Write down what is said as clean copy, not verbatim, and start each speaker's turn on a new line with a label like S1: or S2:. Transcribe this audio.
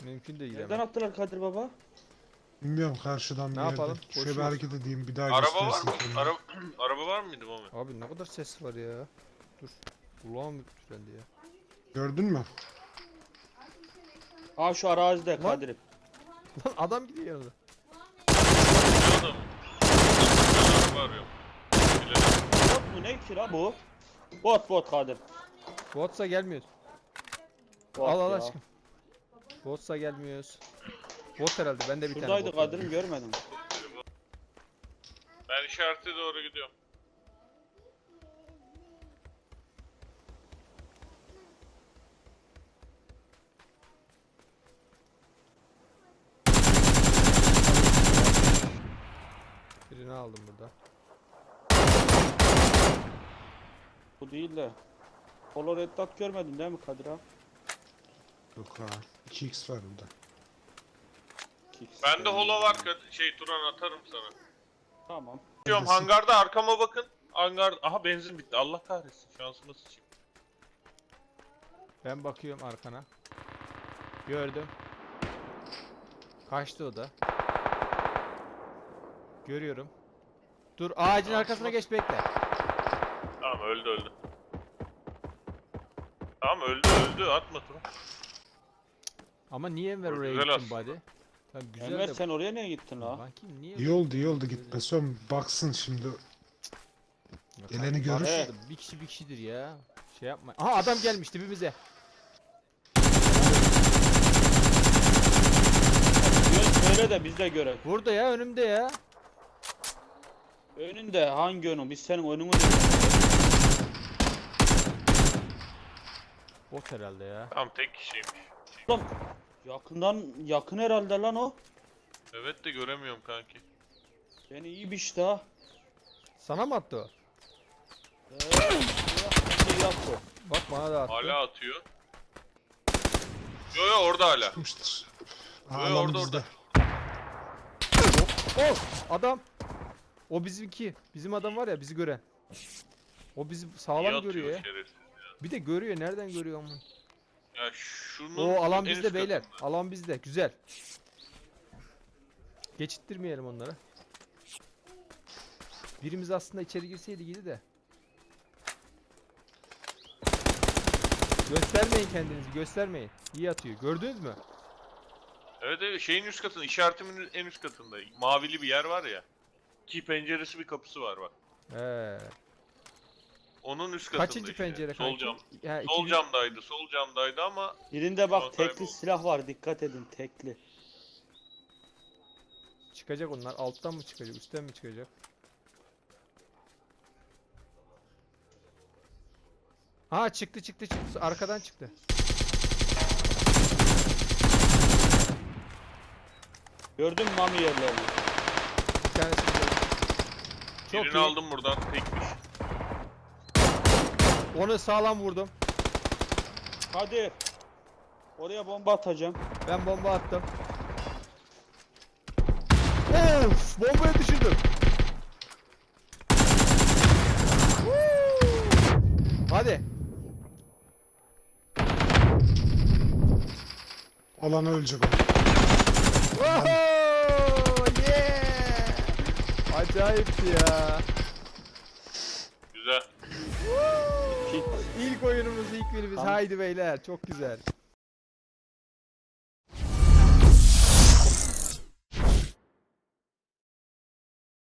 S1: Mümkün değil.
S2: Nereden attılar Kadir baba?
S3: Bilmiyorum, karşıdan bir
S1: Ne
S3: yerden.
S1: yapalım?
S3: Şöyle bir
S1: Koşuyoruz.
S3: hareket edeyim, bir daha
S4: Araba var
S3: göstersin
S4: mı?
S3: kendini.
S4: Araba var mıydı Mami?
S1: Abi ne kadar ses var ya. Dur. Kulağım tükendi ya.
S3: Gördün mü?
S2: Ha şu arazide
S1: Lan.
S2: Kadir'im.
S1: Lan adam gidiyor yanında.
S4: Ne adam? Ben araba arıyorum. Bilelim.
S2: Bot mu ne ki la bu? Bot Kadir.
S1: Botsa gelmiyoruz.
S2: Bot
S1: Al
S2: ya.
S1: aşkım. Botsa gelmiyoruz. Bot herhalde. Ben de bir tane
S2: Şuradaydı
S1: bot var.
S2: Kadir'im görmedim.
S4: Ben işarete doğru gidiyorum.
S1: Birini aldım burada.
S2: Bu değil de. Polo Red Dot görmedin değil mi Kadir ha?
S3: Yok ha. 2x var burada.
S4: Bende holo var Turan atarım sana.
S2: Tamam.
S4: Diyorum hangarda arkama bakın. Aha benzin bitti. Allah kahretsin. Şansıma sıçayım.
S1: Ben bakıyorum arkana. Gördüm. Kaçtı o da. Görüyorum. Dur ağacın arkasına geç bekle.
S4: Tamam öldü. Tamam öldü. Atma Turan.
S1: Ama niye Enver
S4: O
S1: oraya
S4: güzel
S1: gittin
S4: aslında.
S1: buddy? Tamam güzel
S2: Enver
S1: de.
S2: sen oraya niye gittin la?
S1: Bakayım niye?
S3: İyi oldu gitmesi. Son baksın şimdi.
S1: Yok,
S3: Geleni
S1: kanka,
S3: görür.
S1: başladı. Bir kişidir ya. Şey yapma. Aha adam gelmiş dibimize.
S2: Söyle de biz de görelim.
S1: Burada ya önümde ya.
S2: Önünde hangi önün? Biz senin önünü
S1: Bot herhalde ya.
S4: Tamam tek kişiymiş.
S2: Oğlum yakın herhalde lan o.
S4: Evet de göremiyorum kanki.
S2: Beni iyi biçti ha.
S1: Sana mı attı o?
S2: Yaptı.
S1: Bak bana da attı.
S4: Hala atıyor. Yo orada hala.
S3: Çıkmıştır.
S4: Orada.
S1: Oh adam. O bizimki. Bizim adam var ya bizi gören. O bizi
S4: İyi
S1: sağlam
S4: atıyor
S1: görüyor ya.
S4: şerefsiz.
S1: Bir de görüyor. Nereden görüyor ama?
S4: Ya şunun
S1: O alan
S4: en
S1: bizde
S4: üst
S1: beyler.
S4: katında.
S1: Alan bizde. Güzel. Geçittirmeyelim onlara. Birimiz aslında içeri girseydi iyiydi de. Göstermeyin kendinizi. Göstermeyin. İyi atıyor. Gördünüz mü?
S4: Evet şeyin üst katında, işaretimin en üst katında. Mavili bir yer var ya. İki penceresi bir kapısı var bak.
S1: He.
S4: Onun üst katında
S1: Kaçıncı
S4: işte.
S1: pencere
S4: Sol
S1: kanki?
S4: cam.
S1: Ya,
S4: Sol camdaydı ama
S2: Birinde
S4: Şu an
S2: bak tekli
S4: kayboldu.
S2: silah var dikkat edin tekli.
S1: Çıkacak onlar. Alttan mı çıkacak? Üstten mi çıkacak? Ha çıktı. Arkadan çıktı.
S2: Gördün mü Mami yerlerini?
S1: Bir tanesi burada. Çok
S4: birini
S1: iyi.
S4: aldım buradan. Tekmiş.
S1: Onu sağlam vurdum.
S2: Hadi. Oraya bomba atacağım.
S1: Ben bomba attım. Of! Bombayı düşürdüm. Hadi.
S3: Alana ölecek o.
S1: Oho! Yeah! Acayipti ya.
S4: Güzel.
S2: Hit.
S1: İlk oyunumuz, ilk birimiz.
S2: Tamam.
S1: Haydi beyler. Çok güzel.